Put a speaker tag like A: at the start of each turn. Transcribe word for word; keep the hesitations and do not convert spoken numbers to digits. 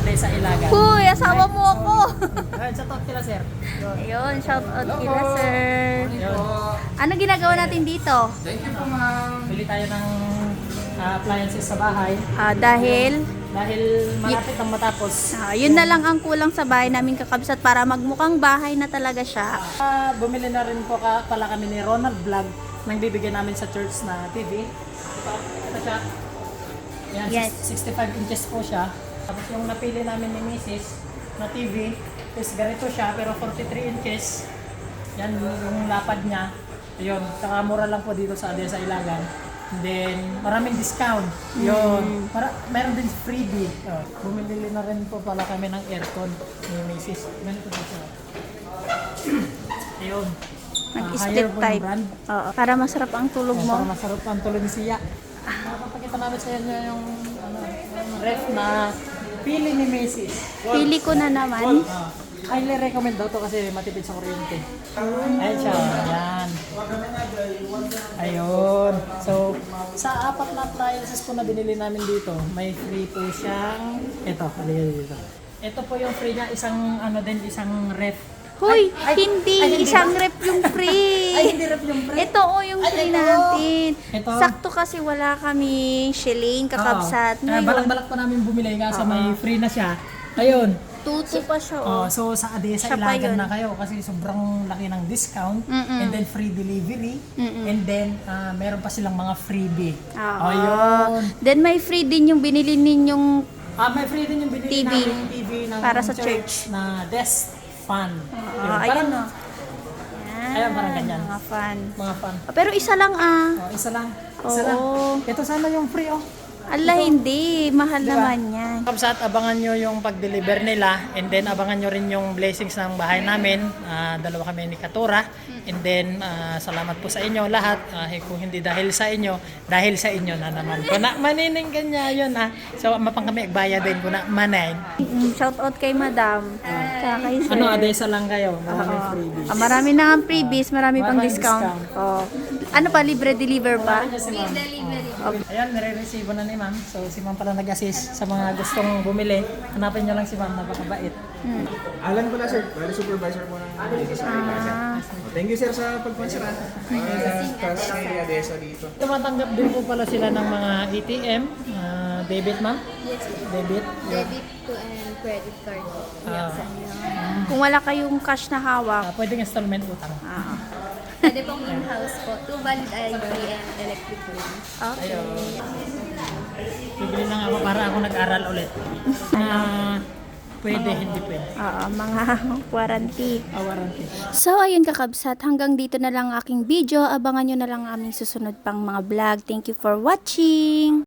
A: Adesa Ilagan.
B: Huy, asawa mo ako.
A: Ayun, shout out kila sir.
B: Ayun, shout out kila sir.
A: Ayun.
B: Ano ginagawa natin dito?
A: Bili tayo ng ah, appliances sa bahay
B: Ah, dahil
A: dahil malapit ang matapos.
B: ah, yun na lang ang kulang sa bahay namin kakabsat para magmukhang bahay na talaga siya.
A: Ah, bumili na rin po ka, pala kami ni Ronald Vlog nang bibigyan namin sa church na T V. Ito, ito siya. Yan,
B: Yes.
A: sixty-five inches po siya. Tapos yung napili namin ni Missus na T V is ganito siya pero forty-three inches. Yan yung lapad niya. Ayun, saka mura lang po dito sa Adesa Ilagan. And then, maraming discount. Yun. Para, meron din freebie. Oh, bumili na rin po pala kami ng aircon ni Missus Ganito po siya. Ayun. Ah,
B: Mag-split
A: higher po yung
B: type.
A: brand.
B: Oo, para masarap ang tulog
A: Oh,
B: mo.
A: para masarap ang tulog ni Siya. Napapakita namin sa inyo yung, ano, yung ref na pili ni Macy's.
B: Pili ko na naman.
A: Ah, highly recommend daw to kasi matipid sa kuryente. Ayan siya. Ayan. Ayun. So, sa apat na appliances po na binili namin dito, may free po siyang, ito, halika dito. Ito po yung free niya, isang ano din, isang ref.
B: Huy,
A: Ay, ay,
B: hindi.
A: ay, hindi
B: Isang
A: ba?
B: rep yung free.
A: Ay, hindi ref yung free.
B: Ito o yung
A: Ay,
B: free
A: ito.
B: natin.
A: Ito.
B: Sakto kasi wala kami shilling kakabsat.
A: Oo. Ah,
B: Ngayon,
A: balak-balak pa namin bumili kasi may free na siya. Ayun.
B: tuto pa siya
A: Oh,
B: oh.
A: so sa Adesa
B: Siya pa
A: Ilagan
B: yun.
A: na kayo kasi sobrang laki ng discount
B: Mm-mm.
A: and then free delivery
B: Mm-mm.
A: and then ah, meron pa silang mga freebie.
B: Oo.
A: Ayun.
B: Then may free din yung binili ninyong
A: Ah, may free din yung binili
B: T V.
A: namin T V ng
B: Para sa church.
A: na desk fan.
B: Oo,
A: Yun,
B: ayun
A: parang,
B: o.
A: Ayan, parang ganyan.
B: Mga fan.
A: mga fan.
B: Pero isa lang ah.
A: Oh, isa lang. Isa
B: Oo.
A: lang. Ito sana yung free oh.
B: Ala, hindi. Mahal
A: Diba?
B: naman yan.
A: Kapsat, abangan nyo yung pag-deliver nila and then abangan nyo rin yung blessings ng bahay namin. Ah, dalawa kami ni Katura and then ah, salamat po sa inyo lahat. Ah, eh, kung hindi dahil sa inyo, dahil sa inyo na naman. Kung na manining kanya yun ah. So mapang kami agbaya din kung na manayin.
B: Mm, shout out kay Madam. Tsaka kay Sir.
A: Ano, Adesa lang kayo. Maraming
B: Oo.
A: freebies.
B: Ah, marami na ang freebies, marami pang
A: Maraming
B: discount.
A: discount.
B: Oh. Ano pa, libre deliver pa?
A: Free delivery. Ayan, nire-receive na ni ma'am. So si ma'am pala nag-assist sa mga gustong bumili. Hanapin nyo lang si ma'am, napakabait.
B: Hmm.
C: Alan ko na sir, bali supervisor po ng Adesa sa Ilagan.
B: Ah.
C: Thank you sir sa pagpansara. Uh, Task kay Adesa dito.
A: Tumatanggap din po pala sila ng mga A T M, ah, debit ma'am?
D: Yes,
A: Debit?
D: debit to and credit card.
A: Ah,
B: Kung wala kayong cash na hawak,
A: ah, pwedeng installment utang.
B: ah,
D: Pwede pong in-house po. Two valid I D and electric bill.
B: okay.
A: Bibili lang ako para ako nag-aral ulit. Na pwede, hindi pwede.
B: Oo, mga warranty.
A: Ah, warranty.
B: So, ayun kakabsat, hanggang dito na lang ang aking video. Abangan nyo na lang ang aming susunod pang mga vlog. Thank you for watching!